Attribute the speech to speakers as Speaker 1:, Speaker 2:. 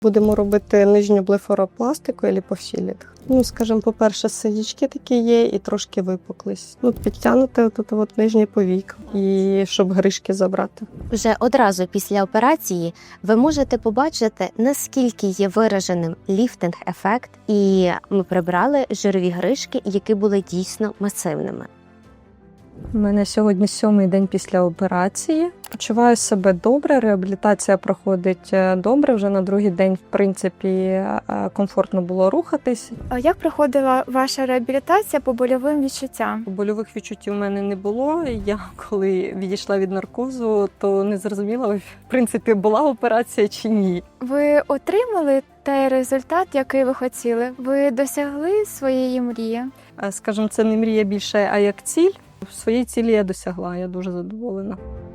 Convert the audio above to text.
Speaker 1: Будемо робити нижню блефаропластику і ліпофілінг. Скажімо, по-перше, синячки такі є і трошки випуклість. Підтягнути от нижній повік, і щоб гришки забрати.
Speaker 2: Вже одразу після операції ви можете побачити, наскільки є вираженим ліфтинг-ефект, і ми прибрали жирові гришки, які були дійсно масивними.
Speaker 3: У мене сьогодні 7-й день після операції. Почуваю себе добре, реабілітація проходить добре. Вже на другий день, в принципі, комфортно було рухатись.
Speaker 4: А як проходила ваша реабілітація по больовим відчуттям?
Speaker 3: Больових відчуттів у мене не було. Я, коли відійшла від наркозу, то не зрозуміла, в принципі, була операція чи ні.
Speaker 4: Ви отримали той результат, який ви хотіли? Ви досягли своєї мрії?
Speaker 3: Скажімо, це не мрія більше, а як ціль. Своєї цілі я досягла, я дуже задоволена.